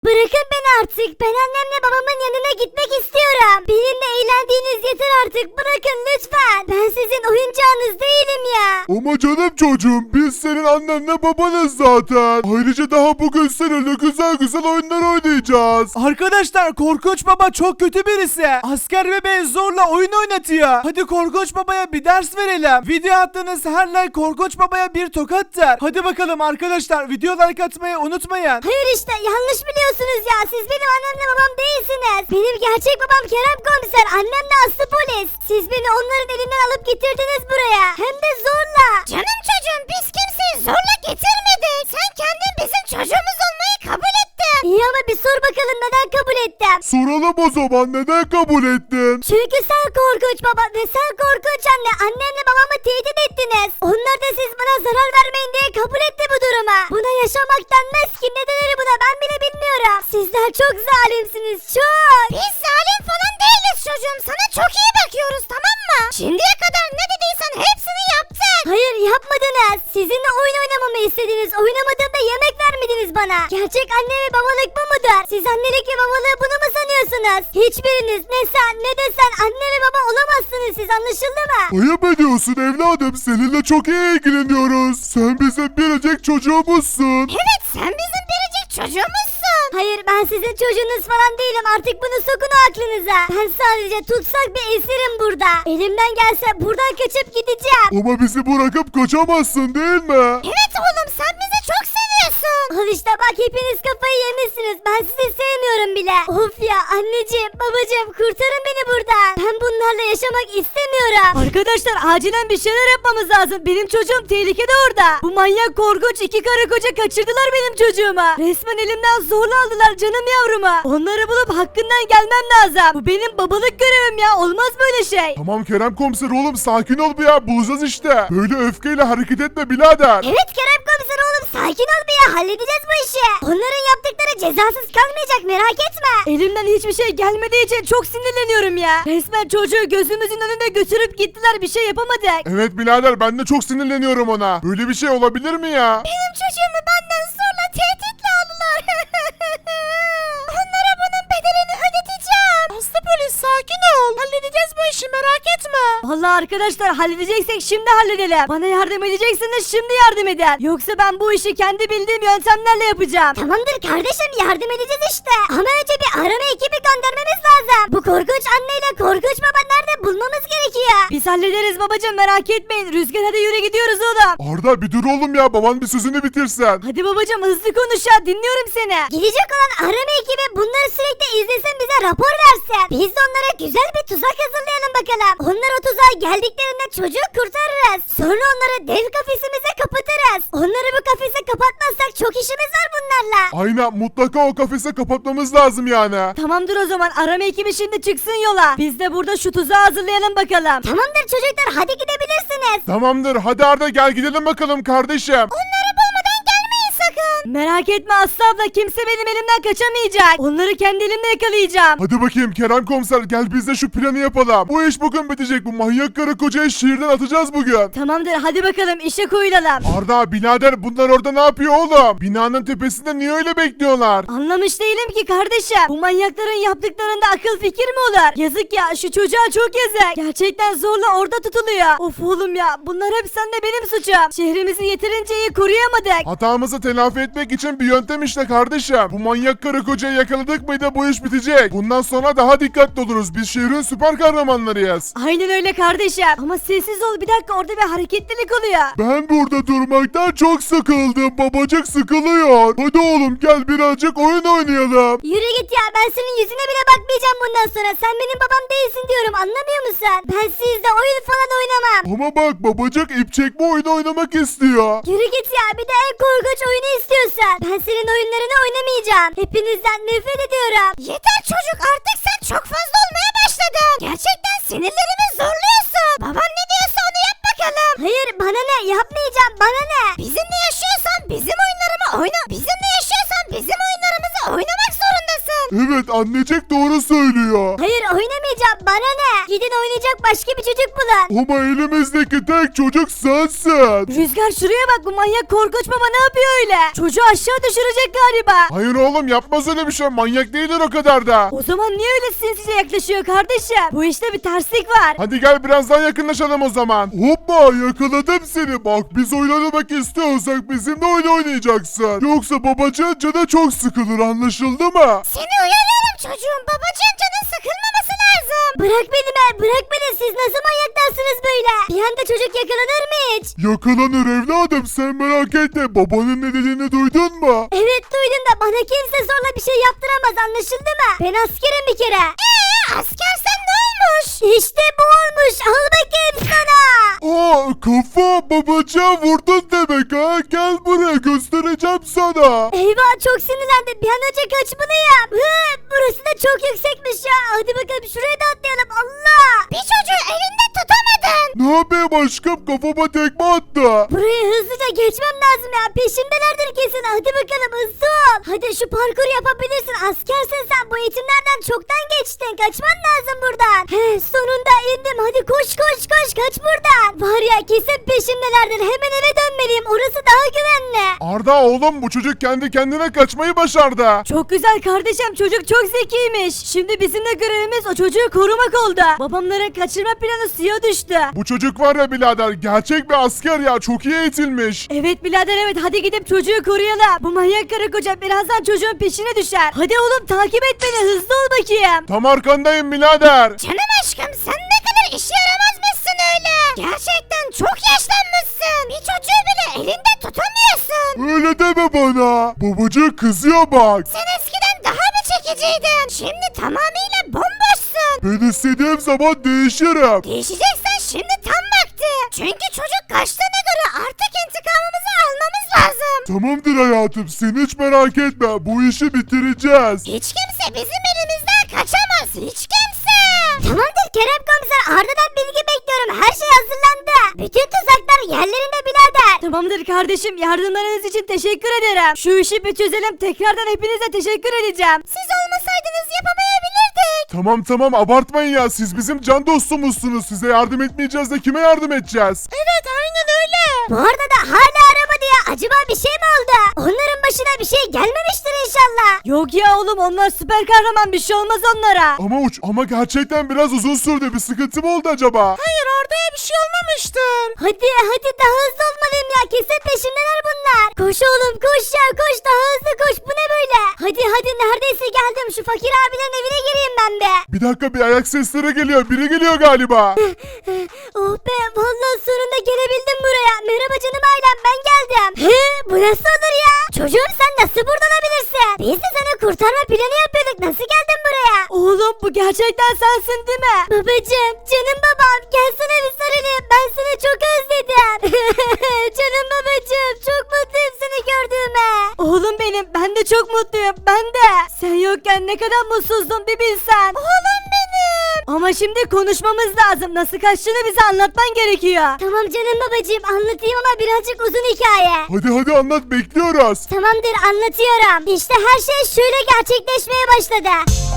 Bırakın beni artık. Ben annemle babamın yanına gitmek istiyorum. Benimle eğlendiğiniz yeter artık. Bırakın lütfen. Ben sizin oyuncağınız değilim ya. Ama canım çocuğum biz senin annenle babanız zaten. Ayrıca daha bugün seninle güzel güzel oyunlar oynayacağız. Arkadaşlar Korkunç Baba çok kötü birisi. Asker bebeği zorla oyun oynatıyor. Hadi Korkunç Baba'ya bir ders verelim. Video attığınız her like Korkunç Baba'ya bir tokattır. Hadi bakalım arkadaşlar video like atmayı unutmayın. Hayır işte yanlış biliyorsunuz ya. Siz benim annemle babam değilsiniz. Benim gerçek babam Kerem Komiser. Annem de Aslı Polis. Siz beni onların elinden alıp getirdiniz buraya. Hem de zorla. Canım çocuğum biz kimseyi zorla getirmedik. Sen kendin bizim çocuğumuz olmayı kabul ettin. İyi ama bir sor bakalım neden kabul ettim. Soralım o zaman neden kabul ettin? Çünkü sen korkunç baba ve sen korkunç anne annemle babamı tehdit ettiniz. Onlar da siz bana zarar vermeyin diye kabul etti bu durumu. Buna yaşamak denmez ki ne denir buna ben bile bilmiyorum. Sizler çok zalimsiniz çok. Biz zalim falan değiliz çocuğum sana çok iyi bakıyoruz tamam mı? Şimdiye kadar ne dediysen hepsini yaptık. Hayır yapmadınız. Sizinle oyun oynamamı istediniz. Oynamadığımda yemek vermediniz bana. Gerçek anne ve babalık bu mudur? Siz annelik ve babalığı bunu mu sanıyorsunuz? Hiçbiriniz ne sen ne de sen anne ve baba olamazsınız siz anlaşıldı mı? Ayıp ediyorsun evladım seninle çok iyi ilgileniyoruz. Sen bizim biricik çocuğumuzsun. Evet sen bizim biricik çocuğumuzsun. Hayır ben sizin çocuğunuz falan değilim artık bunu sokun o aklınıza. Ben sadece tutsak bir esirim burada. Elimden gelse buradan kaçıp gideceğim. Ama bizi bırakıp kaçamazsın değil mi? Evet oğlum sen bizi çok seviyorsun. Al işte bak hepiniz kafayı yemişsiniz. Ben sizi sevmiyorum bile. Of ya anneciğim babacığım kurtarın beni buradan. Ben bunlarla yaşamak istemiyorum. Arkadaşlar acilen bir şeyler yapmamız lazım. Benim çocuğum tehlikede orada. Bu manyak korkunç iki karı koca kaçırdılar benim çocuğumu. Resmen elimden zorla aldılar canım yavrumu. Onları bulup hakkından gelmem lazım. Bu benim babalık görevim ya. Olmaz böyle şey. Tamam Kerem komiser oğlum sakin ol bir ya bulacağız işte. Böyle öfkeyle hareket etme birader. Evet Kerem komiser oğlum sakin ol bir ya halledeceğiz bu işi. Onların yaptıkları cezasız kalmayacak merak etme. Elimden hiçbir şey gelmediği için çok sinirleniyorum ya. Resmen çocuğu gözümüzün önünde götürüp gittiler bir şey yapamadık. Evet birader ben de çok sinirleniyorum ona. Böyle bir şey olabilir mi ya? Benim çocuğumu benden zorla tehditle aldılar. Onlara bunun bedelini ödeteceğim. Aslı polis sakin ol. Halledeceğiz bu işi merak etme. Vallahi arkadaşlar halledeceksek şimdi halledelim. Bana yardım edeceksiniz şimdi yardım edin. Yoksa ben bu işi kendi bildiğim yöntemlerle yapacağım. Tamamdır kardeşim yardım edeceğiz işte. Ama önce bir arama ekibi göndermemiz lazım. Bu korkunç anneyle korkunç baba nerede bulmamız gerekiyor. Biz hallederiz babacığım merak etmeyin. Rüzgar hadi yürü gidiyoruz oğlum. Arda bir dur oğlum ya baban bir sözünü bitirsen. Hadi babacığım hızlı konuş ya dinliyorum seni. Gidecek olan arama ekibi bunları sürekli izlesin bize rapor versin. Biz de onlara güzel bir tuzak hazırlayalım bakalım. Onlar o tuzağa geldiklerinde çocuğu kurtarırız. Sonra onları dev kafesimize kapatırız. Onları bu kafese kapatmazsak çok işimiz var bunlarla. Aynen mutlaka o kafese kapatmamız lazım yani. Tamamdır o zaman arama ekibi şimdi çıksın yola. Biz de burada şu tuzağı hazırlayalım bakalım. Tamamdır çocuklar hadi gidebilirsiniz. Tamamdır hadi Arda gel gidelim bakalım kardeşim. Onları bulmadan gelmeyin sakın. Merak etme Aslı abla kimse benim elimden kaçamayacak. Onları kendi elimle yakalayacağım. Hadi bakayım Kerem komiser gel biz de şu planı yapalım. Bu iş bugün bitecek bu manyak karı kocayı şehirden atacağız bugün. Tamamdır hadi bakalım işe koyulalım. Arda birader bunlar orada ne yapıyor oğlum? Binanın tepesinde niye öyle bekliyorlar? Anlamış değilim ki kardeşim. Bu manyakların yaptıklarında akıl fikir mi olur? Yazık ya şu çocuğa çok yazık. Gerçekten zorla orada tutuluyor. Of oğlum ya bunlar hep sende benim suçum. Şehrimizi yeterince iyi koruyamadık. Hatamızı telafi etmek için bir yöntem işte kardeşim. Bu manyak karı kocayı yakaladık mıydı bu iş bitecek. Bundan sonra daha dikkatli oluruz. Biz şehrin süper kahramanlarıyız. Aynen öyle kardeşim. Ama sessiz ol bir dakika orada bir hareketlilik oluyor. Ben burada durmaktan çok sıkıldım. Babacık sıkılıyor. Hadi oğlum gel birazcık oyun oynayalım. Yürü git ya ben senin yüzüne bile bakmayacağım bundan sonra. Sen benim babam değilsin diyorum anlamıyor musun? Ben sizle oyun falan oynamam. Ama bak babacık ip çekme oyunu oynamak istiyor. Yürü git ya bir de en korkunç oyunu istiyorsan. Ben senin oyunlarını oynamayacağım. Hepinizden nefret ediyorum. Yeter çocuk artık sen çok fazla olmaya başladın. Gerçekten sinirlerimi zorluyorsun. Baban ne diyorsa onu yap bakalım. Hayır bana ne yapmayacağım bana ne. Bizimle yaşıyorsan bizim oyunlarımı oyna. Bizimle yaşıyorsan bizim oyunlarımızı oynamak zorundasın. Evet annecek doğru söylüyor. Hayır oynamayacağım bana ne? Gidin oynayacak başka bir çocuk bulun. Ama elimizdeki tek çocuk sensin. Rüzgar şuraya bak, bu manyak korkunç baba ne yapıyor öyle? Çocuğu aşağı düşürecek galiba. Hayır oğlum yapmaz öyle bir şey. Manyak değildir o kadar da. O zaman niye öyle sinsice yaklaşıyor kardeşim? Bu işte bir terslik var. Hadi gel biraz daha yakınlaşalım o zaman. Hoppa yakaladım seni. Bak biz oynamak istiyorsak bizimle oyun oynayacaksın. Yoksa babacığın canı çok sıkılır anlaşıldı mı? Seni uyarıyorum çocuğum. Babacığın canın sıkılmaması lazım. Bırak beni be bırak beni. Siz nasıl manyaklarsınız böyle? Bir anda çocuk yakalanır mı hiç? Yakalanır evladım sen merak etme. Babanın ne dediğini duydun mu? Evet duydum da bana kimse zorla bir şey yaptıramaz anlaşıldı mı? Ben askerim bir kere. Askersen ne olmuş? İşte bu olmuş. Al bakayım sana. Aa kafa babacığa vurdun demek ha. Gel buraya göstereceğim sana. Eyvah çok sinirlendim. Bir an önce kaçmalıyım. Burası da çok yüksekmiş ya. Hadi bakalım şuraya da atlayalım. Allah. Bir çocuğu elinde tutamadın. Ne yapayım aşkım kafama tekme attı. Burayı hızlıca geçmem lazım ya. Peşimdelerdir kesin. Hadi bakalım hızlı ol. Hadi şu parkur yapabilirsin. Askersin sen. Bu eğitimlerden çoktan geçtin. Kaçman lazım buradan. Sonunda indim. Hadi koş koş koş. Kaç buradan. Var ya kesin peşimdelerdir. Hemen eve dönmeliyim. Orası daha güvenli. Arda oğlum bu çocuk kendi kendine kaçmayı başardı. Çok güzel kardeşim, çocuk çok zekiymiş. Şimdi bizim de görevimiz o çocuğu korumak oldu. Babamların kaçırma planı suya düştü. Bu çocuk var ya birader gerçek bir asker ya çok iyi eğitilmiş. Evet birader evet, hadi gidip çocuğu koruyalım. Bu manyak karı koca birazdan çocuğun peşine düşer. Hadi oğlum takip et beni, hızlı ol bakayım. Tam arkandayım birader. Canım aşkım sen ne kadar işe yaramazmışsın öyle. Gerçekten çok yaşlanmışsın. Bir çocuğu bile elinde tutamıyorsun. Öyle deme bana. Babacık kızıyor bak. Sen eskiden daha bir çekiciydin. Şimdi tamamıyla bomboşsun. Ben istediğim zaman değişirim. Değişeceksen şimdi tam vakti. Çünkü çocuk kaçtığına göre artık intikamımızı almamız lazım. Tamamdır hayatım sen hiç merak etme bu işi bitireceğiz. Hiç kimse bizim elimizden kaçamaz. Hiç kimse. Tamamdır Kerem komiser. Arda'dan bilgi bekliyorum. Her şey hazırlandı. Bütün tuzaklar yerlerinde birader. Tamamdır kardeşim, yardımlarınız için teşekkür ederim. Şu işi bir çözelim, tekrardan hepinize teşekkür edeceğim. Siz olmasaydınız yapamayabilirdik. Tamam abartmayın ya siz bizim can dostumuzsunuz. Size yardım etmeyeceğiz de kime yardım edeceğiz? Evet aynen öyle. Bu arada da hala aramadı ya. Acaba bir şey mi oldu? Onların başına bir şey gelmemiştir inşallah. Yok ya oğlum, onlar süper kahraman, bir şey olmaz onlara. Ama gerçekten biraz uzun sürdü bir sıkıntı mı oldu acaba? Hayır orada bir şey olmamıştır. Hadi daha hızlı olmalıyım ya. Kesin peşimdeler bunlar. Koş oğlum koş ya koş daha hızlı koş. Bu ne böyle? Hadi neredeyse geldim. Şu fakir abilerin evine gireyim ben be. Bir dakika bir ayak sesleri geliyor biri geliyor galiba. Oh be vallahi sonunda gelebildim buraya. Merhaba canım ailem ben geldim. Bu nasıl olur ya? Çocuğum sen nasıl burada olabilirsin? Biz de sana kurtarma planı yapıyorduk. Nasıl geldin buraya? Oğlum bu gerçekten sensin değil mi? Babacım canım babam gelsene bir sarılayım. Ben seni çok özledim. Canım babacım çok mutluyum seni gördüğüme. Oğlum benim, ben de çok mutluyum, ben de. Sen yokken ne kadar mutsuzdum bir bilsen. Oğlum benim. Ama şimdi konuşmamız lazım, nasıl kaçtığını bize anlatman gerekiyor. Tamam canım babacığım anlatayım ama birazcık uzun hikaye. Hadi anlat bekliyoruz. Tamamdır anlatıyorum. İşte her şey şöyle gerçekleşmeye başladı.